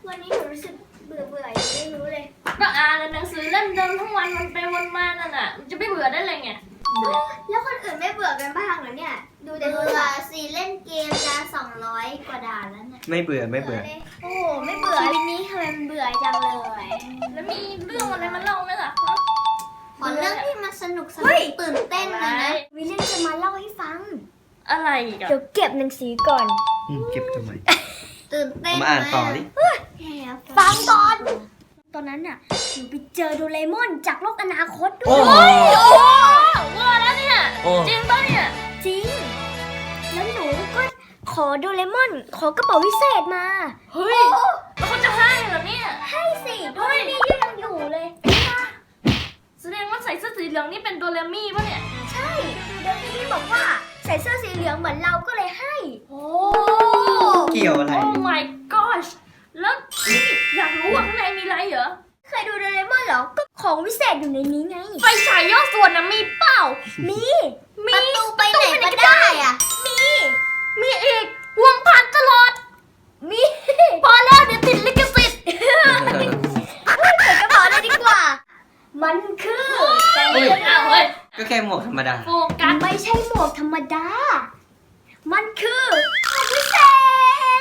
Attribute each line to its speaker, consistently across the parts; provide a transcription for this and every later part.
Speaker 1: วันนี้หนูรู้สึกเบื่อยังไม่รู้เลย
Speaker 2: ก็อ่านหนังสือเล่มเดิมทั้งวันมันไปวนมานั่นน่ะมันจะไม่เบื่อได้เลยไง
Speaker 1: แล้วคนอื่นไม่เบื่อกันบ้างเหรอเนี่ยดูแต่เบื่อสิเล่นเกมจะ200 กว่าด่านแล้วเนี่ย
Speaker 3: ไม่เบื่อไม่เบื่อ
Speaker 1: โอ้ไม่เบื่อชีวิตนี้ทำไมมันเบื่อจังเลย
Speaker 2: แล้วมีเรื่องอะไรมาเล่าไหมล่ะ
Speaker 1: ขอเรื่องที่มันสนุกตื่นเต้นเลยนะวิลเลียมจะมาเล่าให้ฟัง
Speaker 2: อะไรอีกอะ
Speaker 1: เดี๋ยวเก็บหนังสือก่อน
Speaker 3: เก็บทำไม
Speaker 1: ตื่นเต้น
Speaker 3: มาอ่านต่อดิ
Speaker 1: ฟังก่อนตอนนั้นน่ะหนูไปเจอโดเรมอนจากโลกอนาคตด้วย
Speaker 2: ว่าแล้วเนี่ยจริงปะเนี่ย
Speaker 1: จริงแล้วหนูก็ขอโดเรมอนขอกระเป๋าวิเศษมา
Speaker 2: เฮ้ยแล้วเขาจะให้เหรอเนี่ย
Speaker 1: ให้สิโดเรมี่ยังอยู่เลย
Speaker 2: แสดงว่าใส่เสื้อสีเหลืองนี่เป็นโดเรมี่ปะเนี่ย
Speaker 1: ใช่โดเรมี่บอกว่าใส่เสื้อสีเหลืองเหมือนเราก็เลยให้
Speaker 2: โอ้
Speaker 3: เกี่ยวอะไร
Speaker 2: โอ้ my gosh แล้วนี่อยากรู้ว่าข้างในมีอะไรเหรอ
Speaker 1: เคยดูโดเรมอนเหรอก็ของวิเศษอยู่ในนี้ไง
Speaker 2: ไฟฉายย่อส่วนนะมีเปล่า
Speaker 1: มีประตูไปไหนก็ได้อ่ะ
Speaker 2: มีอีกห่วงผ่านตลอด
Speaker 1: มี
Speaker 2: พอแล้วเดี๋ยวติดลิขสิทธิ์
Speaker 1: ใส่กระเป๋าเลยดีกว่ามันคือ
Speaker 2: เฮ้ย
Speaker 3: ก็แค่หมวกธรรมดา
Speaker 2: โฟกัส
Speaker 1: ไม่ใช่หมวกธรรมดามันคือของวิเศษ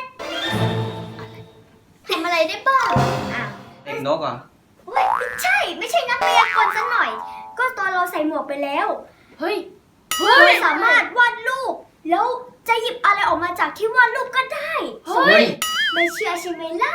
Speaker 1: ทำอะไรได้บ้าง
Speaker 3: เด็กนกเหรอ
Speaker 1: ไม่ใช่นักพยากรณ์ซะหน่อยก็ตอนเราใส่หมวกไปแล้ว
Speaker 2: เฮ้ย
Speaker 1: เราสามารถวาดรูปแล้วจะหยิบอะไรออกมาจากที่วาดรูปก็ได้
Speaker 2: เฮ้ย
Speaker 1: ไม่เชื่อใช่ไหมล่ะ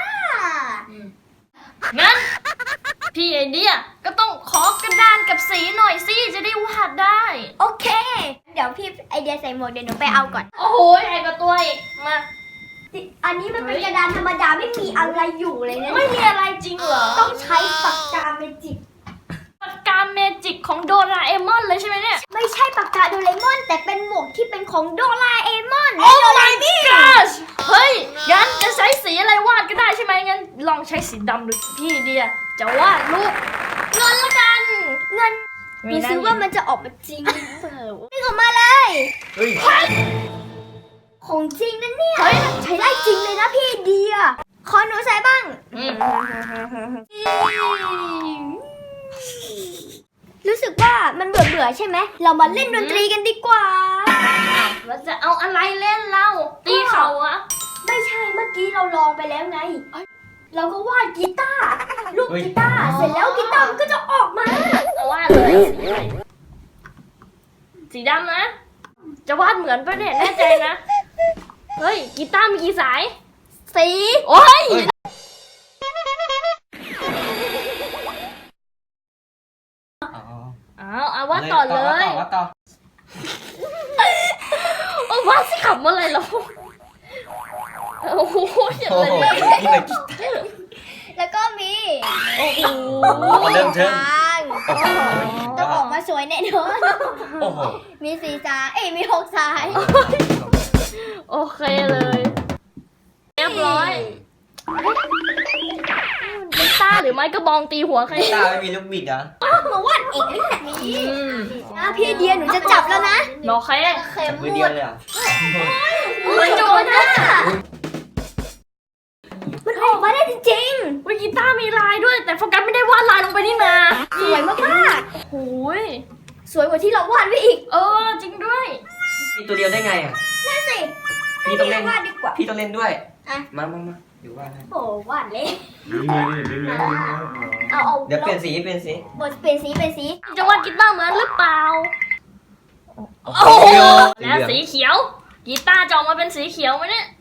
Speaker 2: งั้นพี่ไอเดียก็ต้องขอกระดานกับสีหน่อยสิจะได้วาดได้
Speaker 1: โอเคเดี๋ยวพี่ไอเดียใส่หมวกเดี๋ยวหนูไปเอาก่อน
Speaker 2: โอ้โหใหญ่กว่าตัวอีกมา
Speaker 1: อันนี้มันเป็นกระดานธรรมดาไม่มีอะไรอยู่เลยนะ
Speaker 2: ไม่มีอะไรจริงเหรอ
Speaker 1: ต้องใช้ปากกาเมจิก
Speaker 2: ปากกาเมจิกของโดราเอมอนเลยใช่ไหมเนี่ย
Speaker 1: ไม่ใช่ปากกาโดเรมอนแต่เป็นหมวกที่เป็นของโดราเอมอน
Speaker 2: โอ้ my gosh เฮ้ยงั้นจะใช้สีอะไรวาดก็ได้ใช่ไหมงั้นลองใช้สีดำดูพี่เดียจะวาดรูปเงินละกัน
Speaker 1: เงินดูซิว่ามันจะออกมาจริงหรือเปล่านี่ออกมาเลย
Speaker 3: เฮ้ย
Speaker 1: ของจริงนะเนี่ยใช้ได้จริงเลยนะพี่เดียขอหนูใส่บ้างรู้สึกว่ามันเบื่อใช่ไหมเรามาเล่นดนตรีกันดีกว่า
Speaker 2: เราจะเอาอะไรเล่นเราตีเขาอะ
Speaker 1: ไม่ใช่เมื่อกี้เราลองไปแล้วไงเราก็วาดกีตาร์ลูกกีตาร์เสร็จแล้วกีตาร์มันก็จะออกมาว
Speaker 2: าดเลยสีดำนะจะวาดเหมือนปะเนี่ยแน่ใจนะเฮ้ยกีตาร์มีกี่สาย
Speaker 1: สี
Speaker 2: โอ้ยเอาวาดต่อเลย
Speaker 3: วาดต่อ
Speaker 2: วาดสิขำอะไรเราโอ้โหอย่างไร
Speaker 1: แล้วก็มี
Speaker 2: โอ้โห
Speaker 3: เริ่มเทิง
Speaker 1: ต้องออกมาสวยแน่นอนมี4 สายมี6 สาย
Speaker 2: โอเคเลยเรียบร้อยกีตาร์หรือไม้กระบองตีหัวใคร
Speaker 3: กีตาร์ไม่มีลูกบิดอ่ะ
Speaker 1: มาวาดเองนี่แหละพี่เดียหนูจะจับแล้วนะ
Speaker 2: หนอใคร
Speaker 3: จับมือเดียวเลยอ่ะ
Speaker 1: มันโจรนะมันออกมาได้จริง
Speaker 2: ๆวิกีตาร์มีลายด้วยแต่โฟกัสไม่ได้วาดลายลงไปนี่นา
Speaker 1: สวยมาก
Speaker 2: ๆโอ้ย
Speaker 1: สวยกว่าที่เราวาดไว้อีก
Speaker 2: จริงด้วย
Speaker 3: มีตัวเดียวได้ไงอ่ะ
Speaker 1: นั่นสิ
Speaker 3: พี่ต้องเล่น
Speaker 1: วาดดีกว่า
Speaker 3: พี่ต้องเล่นด้วยมาอยู่วาด
Speaker 1: โอ้วาดเลย
Speaker 3: เดี๋ยวเปลี่ยนสี
Speaker 1: เปลี่ยนสี
Speaker 2: จะวาดกีตาร์เหมือนหรือเปล่าโอ้แล้วสีเขียวกีตาร์จะออกมาเป็นสีเขียวไหมเนี่ย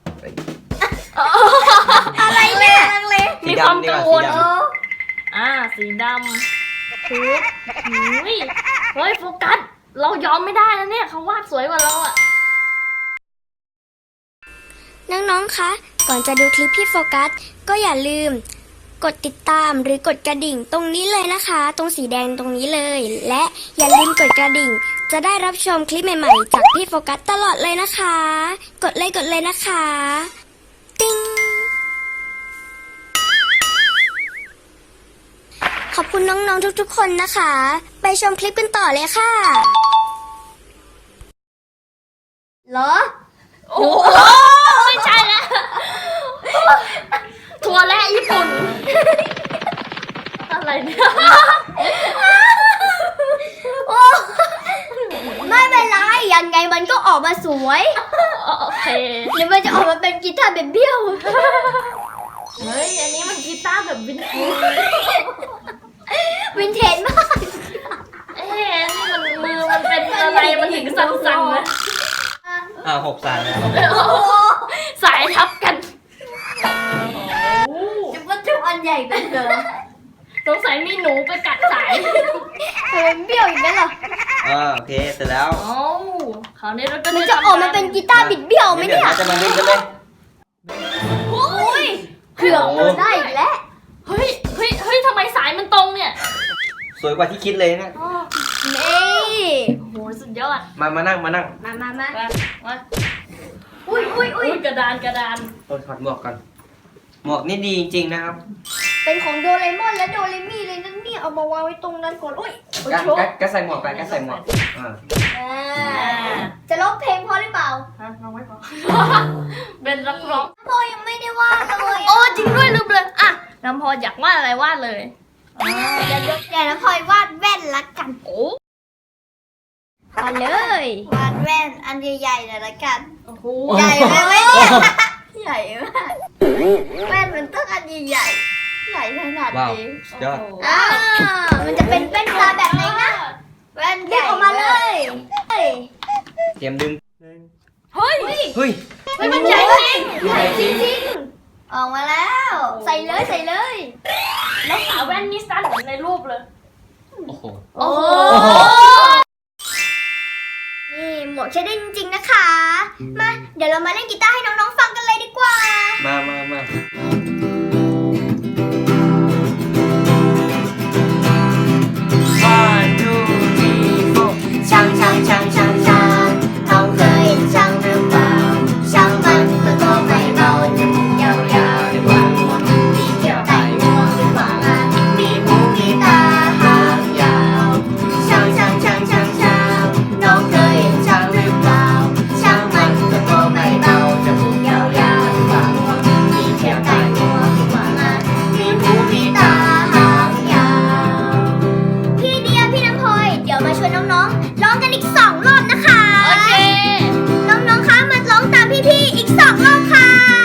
Speaker 1: อะไรเนี่ย
Speaker 2: มีความกังวลสีดำถูกเฮ้ยโฟกัสเรายอมไม่ได้นะเนี่ยเขาวาดสวยกว่าเราอะ
Speaker 1: น้องๆคะก่อนจะดูคลิปพี่โฟกัสก็อย่าลืมกดติดตามหรือกดกระดิ่งตรงนี้เลยนะคะตรงสีแดงตรงนี้เลยและอย่าลืมกดกระดิ่งจะได้รับชมคลิปใหม่ๆจากพี่โฟกัสตลอดเลยนะคะกดเลยนะคะติ๊งขอบคุณน้องๆทุกๆคนนะคะไปชมคลิปกันต่อเลยค่ะเหรอ
Speaker 2: โอ้ไม่ใช่แล้วถั่วถั่วและญี่ปุ่น อะไรเนี่ย
Speaker 1: โอ้ไม่เป็นไรยังไงมันก็ออกมาสวย
Speaker 2: โอเค
Speaker 1: หรือมันจะออกมาเป็นกีตาร์แบบเบี้ยว
Speaker 2: เฮ้ย อันนี้มันกีตาร์แบบวินเทจ
Speaker 1: วินเทจมาก
Speaker 2: เอ๊ะนี่มันมือมันเป็นอะไร มันถึงสั่นๆนะ
Speaker 3: 6 สายแล้ว
Speaker 2: สายทับกัน
Speaker 1: จะว่าทุกอันใหญ่กันเหรอ
Speaker 2: สงสัยมีหนูไปกัดสาย
Speaker 1: เป็นเบี้ยวอีกแล้วเหรอ
Speaker 3: โอเคเสร็จแล้ว
Speaker 2: โอ้คราวนี้เราก็
Speaker 1: มันจะออกมาเป็นกีตาร์บิดเบี้ยวไหม
Speaker 3: เดี๋ยว
Speaker 1: เนี่ย
Speaker 3: เราจะมาดูกันเลย
Speaker 1: อุ้ยเกือบโดนได้อีกแล้ว
Speaker 2: เฮ้ยทำไมสายมันตรงเนี่ย
Speaker 3: สวยกว่าที่คิดเลยนะ
Speaker 2: อ๋อ
Speaker 1: นี่
Speaker 2: โอ้โหสุดยอด
Speaker 3: มานั่ง
Speaker 1: มา
Speaker 2: มา
Speaker 1: อุ้ย
Speaker 2: อุ้ยกระดาน
Speaker 3: ถอดหมวกก่อน หมวกนี่ดีจริงๆนะครับ
Speaker 1: เป็นของโดเรมอนและโดเรมี่เลยนั่นเนี่ยเอามาวางไว้ตรงนั้นก่อนอุ้ย
Speaker 3: ก็ใส่หมวกไปก็ใส่หมวก
Speaker 1: จะร้องเพลงพอหรือเปล่า
Speaker 2: ฮะน้องไม่พอ เป็นนักร้อง
Speaker 1: พ่อยังไม่ได้วาดเลย
Speaker 2: โอ้จริงด้วยลืมเลยอ่ะน้ำพออยากวาดอะไรวาดเลย
Speaker 1: อย่านะพลอยวาดแว่นละกัน
Speaker 2: โอ้
Speaker 1: มาเลยว
Speaker 4: าดแว่นอันใหญ่ๆหน่อยละกัน
Speaker 2: โห
Speaker 4: ใหญ่ไหมเว้ยเนี่ยใหญ่มากแว่นมันต้องอันใหญ่ๆใหญ่ขนาด
Speaker 3: ว้าว
Speaker 4: นี้
Speaker 3: สุดยอด
Speaker 1: อ่ามันจะเป็นแว่นตาแบบไหนนะ
Speaker 4: แว่นให
Speaker 1: ดึง
Speaker 4: ญ่
Speaker 1: ออกมาเลยเฮ้ย
Speaker 3: เตรียมดึง
Speaker 2: เฮ้ย
Speaker 3: เฮ้ย
Speaker 2: มันใหญ่จริง
Speaker 3: ใหญ่จริง
Speaker 1: จริง
Speaker 4: ออกมาแล้ว
Speaker 1: ใส่เลยใส่เลย
Speaker 2: แล้วขาแว่นนี่สั้นเหมือนในรูปเลย
Speaker 3: โอ้โห
Speaker 2: โอ้โห
Speaker 1: นี่หมวกใช้ได้จริงๆนะคะ มาเดี๋ยวเรามาเล่นกีตาร์ให้น้องๆฟังกันเลยดีกว่า
Speaker 3: มา One, two, three, four
Speaker 4: ช่างน้องเคยเห็นช่างหรือเปล่าช่างมันก็ตัวไม่เบาจมูกยาวๆด้วยกว่างวงมีเขียวไต่งวงด้วยกว่างานมีหูมีตาหางยาวช่างน้องเคยเห็นช่างหรือเปล่าช่างมันก็ตัวไม่เบาจมูกยาวๆด้วยกว่างวงมีเขียวไต่งวงด้วยกว่างานมีหูมีตาหางยาว
Speaker 1: พี่เดียพี่น้ำพลอยเดี๋ยวมาชวนน้องๆร้องกันอีก2 รอบนะคะ
Speaker 2: โอเค
Speaker 1: น้องๆคะมาร้องตามพี่ๆอีก2 รอบค่ะ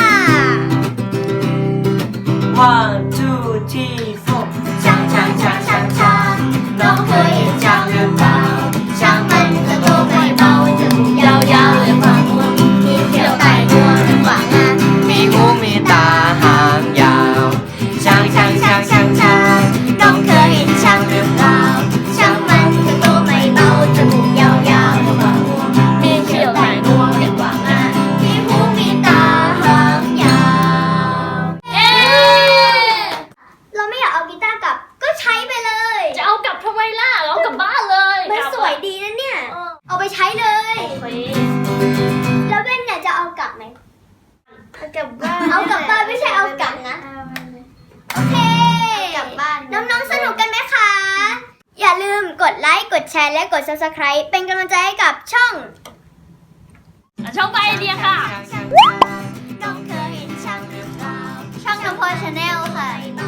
Speaker 3: One, two, three, four
Speaker 4: ช่างน้องเคยเห็นช่างหรือเปล่าช่างมันก็ตัวไม่เบาจมูกยาวๆเลยกว่างวงมีเขียวไต่งวงเลยกว่างาน
Speaker 3: มีหูมีตาหางยาวช่าง
Speaker 4: น้องเคยเห็นช่างหรือเปล่าช่างมันก็ตัวไม่เบาจมูกยาวๆเลยกว่างวงมีเขียวไต่งวงเลยกว่างานมีหูมีตาหางยาว
Speaker 2: เอ๊ะ
Speaker 1: เราไม่อยากเอากีตาร์กลับก็ใช้ไปเลย
Speaker 2: จะเอากลับทำไมล่ะเอากลับบ้านเลย
Speaker 1: มัน
Speaker 2: กลับ
Speaker 1: สวยดีนะเนี่ย
Speaker 2: เออ
Speaker 1: เอาไปใช้เลย
Speaker 2: โอเค
Speaker 1: แล้วเว้นเนี่ยจะเอากลับไหม
Speaker 4: เอากลับบ้าน
Speaker 1: เอากลับบ้านไม่ใช่เอากลับนะ โอเค
Speaker 4: กลับบ้าน
Speaker 1: น้องๆ สนุกกันไหมคะ อย่าลืมกดไลค์ กดแชร์ และกด subscribe เป็นกำลังใจให้กับช่อง
Speaker 2: ช่องไปไอเดียค่ะ
Speaker 4: น้องเคยเห็นช่างหรือเปล่าช่างน้ำพอชาแนลค่ะ